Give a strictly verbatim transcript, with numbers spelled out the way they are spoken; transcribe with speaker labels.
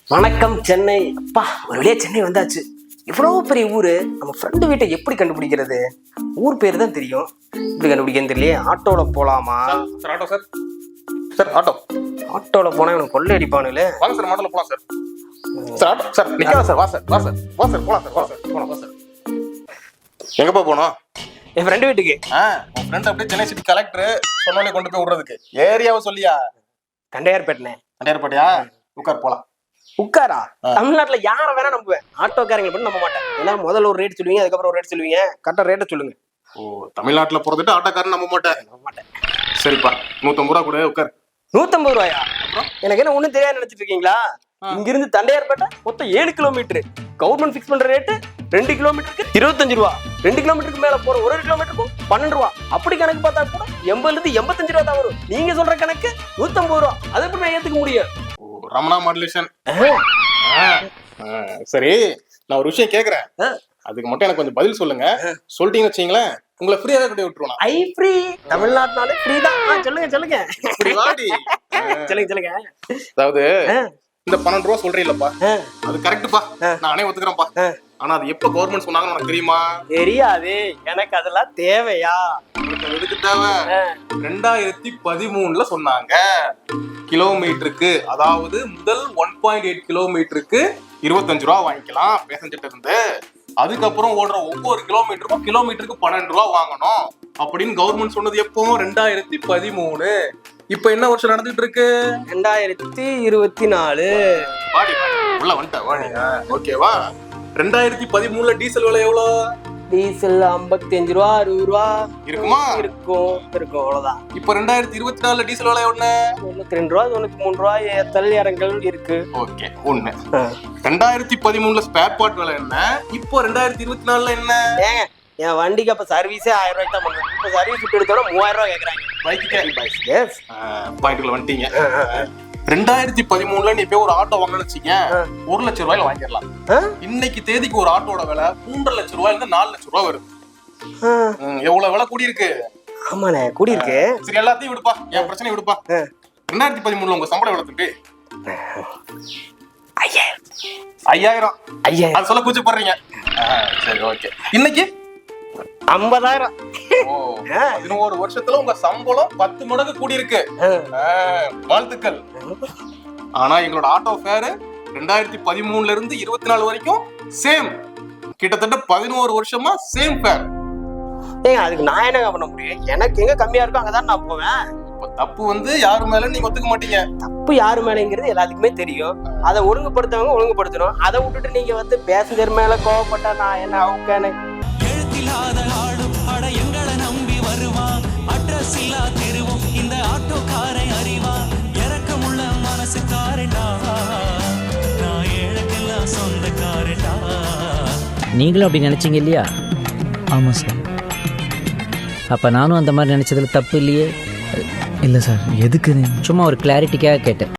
Speaker 1: வணக்கம் சென்னை. அப்பா ஒரு வழியா சென்னை வந்தாச்சு. இவ்வளவு பெரிய ஊரு, நம்ம ஃப்ரெண்டு வீட்டை எப்படி கண்டுபிடிக்கிறது? ஊர் பேர் தான் தெரியும், எப்படி கண்டுபிடிக்கிறது தெரியலையே. ஆட்டோல போலாமா?
Speaker 2: Sir auto sir sir auto
Speaker 1: ஆட்டோல போனா இவனுக்கு கொள்ளை அடிப்பானுல.
Speaker 2: வாங்க சார் ஆட்டோல போலாம் சார். சார் ஆட்டோ சார் நிக்காத சார். வா சார் வா சார் வா சார் போலாம் சார். வா சார் போலாம். வா சார் எங்கப்பா போனோம்?
Speaker 1: என் ஃப்ரெண்டு வீட்டுக்கு.
Speaker 2: ஆ உன் ஃப்ரெண்ட் அப்படியே சென்னை சிட்டி கலெக்டர் சொன்னாலே கொண்டு போய் விடுறதுக்கு. ஏரியாவை சொல்லியா?
Speaker 1: தண்டையார்பேட்டனே.
Speaker 2: தண்டையார்பேட்டையா? உட்கார் போலாம்.
Speaker 1: உட்காரா? தமிழ்நாட்டுல யார வேணா நம்புவேன், ஆட்டோக்காரங்களை மட்டும் நம்ப மாட்டேன். ஏன்னா முதல்ல ஒரு ரேட் சொல்லுவீங்க, அதுக்கப்புறம் ஒரு ரேட் சொல்லுவீங்க. கரெக்டா ரேட்டை சொல்லுங்க.
Speaker 2: ஓ தமிழ்நாட்டுல போறதுட்டு ஆட்டோக்காரன் நம்ப மாட்டேன்.
Speaker 1: நம்ப மாட்டேன்.
Speaker 2: சரிப்பா நூத்தம்பது ரூபா கூட உட்கார்.
Speaker 1: நூத்தம்பது ரூபாயா? எனக்கு என்ன ஒண்ணும் தெரியாது நினைச்சிட்டு இருக்கீங்களா? இங்கிருந்து தண்டையார்பேட்டை மொத்தம் ஏழு கிலோமீட்டர். கவர்மெண்ட் பிக்ஸ் பண்ற ரேட்டு ரெண்டு கிலோமீட்டருக்கு இருபத்தஞ்சு ரூபா. ரெண்டு கிலோமீட்டருக்கு மேல போற ஒரு கிலோமீட்டருக்கும் பன்னெண்டு ரூபா. அப்படி கணக்கு பார்த்தா கூட எண்பதுல இருந்து எண்பத்தஞ்சு ரூபா தான் வரும். நீங்க சொல்ற கணக்கு நூத்தம்பது ரூபா. அதை எப்படி நான் ஏத்துக்க முடியும்?
Speaker 2: ரமணா மாடுலேஷன். சரி நான் ஒரு விஷயம் கேக்குறேன், அதுக்கு மட்டும் எனக்கு கொஞ்சம் பதில் சொல்லுங்க. சொல்லிட்டீங்கன்னு வச்சீங்களேன், உங்களை ஃப்ரீயா தான் விட்டுருவோம்.
Speaker 1: ஐ ஃப்ரீ, தமிழ்நாட்டுனாலே ஃப்ரீ தான். சொல்லுங்க சொல்லுங்க சொல்லுங்க சொல்லுங்க.
Speaker 2: அதாவது இந்த பன்னெண்டு ரூபா சொல்றீங்களப்பா, அது கரெக்டுப்பா, நானே ஒத்துக்கிறேன்ப்பா. ஆனா அது எப்ப கவர்மெண்ட் சொன்னாங்கன்னு உனக்கு தெரியுமா?
Speaker 1: தெரியாது எனக்கு. அதெல்லாம் தேவையா?
Speaker 2: எதுக்கு தேவை? ரெண்டாயிரத்தி பதிமூணுல சொன்னாங்க. கிலோமீட்டருக்கு, அதாவது முதல் ஒன் பாயிண்ட் எயிட் கிலோமீட்டருக்கு இருபத்தஞ்சு ரூபா வாங்கிக்கலாம் பேசஞ்சர்ட்ட இருந்து. அதுக்கப்புறம் ஓடுற ஒவ்வொரு கிலோமீட்டருக்கும் கிலோமீட்டருக்கு பன்னெண்டு ரூபா வாங்கணும் அப்படின்னு கவர்மெண்ட் சொன்னது எப்போ? ரெண்டாயிரத்தி பதிமூணு. இப்ப என்ன வருஷம் நடந்துட்டு இருக்கு?
Speaker 1: ரெண்டாயிரத்தி இருபத்தி நாலு.
Speaker 2: வாடி உள்ள வந்துட்ட வாடி. ஓகேவா? ரெண்டாயிரத்தி பதிமூணுல டீசல் விலை எவ்வளவு?
Speaker 1: டீசல் ஐம்பத்தி அஞ்சு ரூபா அறுபது ரூபா
Speaker 2: இருக்குமா?
Speaker 1: இருக்கும் இருக்கும் அவ்வளவுதான்.
Speaker 2: இப்ப ரெண்டாயிரத்தி இருபத்தி நாலுல டீசல் விலை ஒண்ணு
Speaker 1: தொண்ணூத்தி ரெண்டு ரூபா தொண்ணூத்தி மூணு ரூபா ஏத்தல் இறங்கல் இருக்கு.
Speaker 2: ஓகே ஒண்ணு. ரெண்டாயிரத்தி பதிமூணுல ஸ்பேர் பார்ட் விலை என்ன? இப்போ ரெண்டாயிரத்தி இருபத்தி நாலுல என்ன?
Speaker 1: ஏங்க என் வண்டிக்கு அப்ப சர்வீஸே ஆயிரம் ரூபாய்க்கு தான் பண்ணுவேன். இப்ப சர்வீஸ் விட்டு எடுத்தோட மூவாயிரம் ரூபாய் கேக்குறாங்க.
Speaker 2: பாயிண்ட்ல வந்துட்டீங்க. ரெண்டாயிரத்தி பதிமூணுல நீ போய் ஒரு ஆட்டோ வாங்கணும்னு வச்சுக்க, ஒரு லட்சம் ரூபாயில வாங்கிடலாம். இன்னைக்கு தேதிக்கு ஒரு ஆட்டோட விலை மூன்றரை லட்சம் ரூபாயில இருந்து நாலு லட்சம் ரூபாய் வருது. எவ்வளவு விலை கூடி இருக்கு?
Speaker 1: ஆமாண்ணே கூடி இருக்கு.
Speaker 2: சரி எல்லாத்தையும் விடுப்பா, என் பிரச்சனை விடுப்பா. ரெண்டாயிரத்தி பதிமூணுல உங்க சம்பளம் எவ்வளவு தம்பி? ஐயாயிரம். ஐயாயிரம் அது சொல்ல கூச்சப்படுறீங்க. சரி ஓகே. இன்னைக்கு
Speaker 1: ஐம்பதாயிரம்.
Speaker 2: பதினோரு வருஷத்துல உங்க சம்பளம் பத்து மடங்கு கூடி இருக்கு. வாழ்த்துக்கள். ஆனா எங்களோட ஆட்டோ ஃபேர் ரெண்டாயிரத்தி பதிமூணுல இருந்து இருபத்தி நாலு வரைக்கும் சேம். கிட்டத்தட்ட பதினோரு வருஷமா சேம் ஃபேர்.
Speaker 1: ஏங்க அதுக்கு நான் என்ன பண்ண முடியும்? எனக்கு எங்க கம்மியா இருக்கோ அங்கதான் நான் போவேன்.
Speaker 2: தப்பு வந்து யாரு மேல நீங்க ஒத்துக்க மாட்டீங்க.
Speaker 1: தப்பு யாரு மேலங்கிறது எல்லாத்துக்குமே தெரியும். அதை ஒழுங்குபடுத்தவங்க ஒழுங்குபடுத்தணும். அதை விட்டுட்டு நீங்க வந்து பேசஞ்சர் மேல கோவப்பட்டா நான் என்ன அவுக்கானு?
Speaker 3: எழுத்தில்லாத ஆடும் அட எங்களை நம்பி வருவான். அட்ரஸ் இல்லா தெருவும் இந்த ஆட்டோக்காரை அறிவான். இறக்கமுள்ள மனசு காரண்டா, நான் ஏழைக்கெல்லாம் சொந்த காரண்டா.
Speaker 4: நீங்களும் அப்படி நினைச்சீங்க இல்லையா?
Speaker 5: ஆமாம் சார்.
Speaker 4: அப்போ நானும் அந்த மாதிரி நினைச்சதுல தப்பு இல்லையே?
Speaker 5: இல்லை சார். எதுக்கு?
Speaker 4: சும்மா ஒரு கிளாரிட்டிக்காக கேட்டேன்.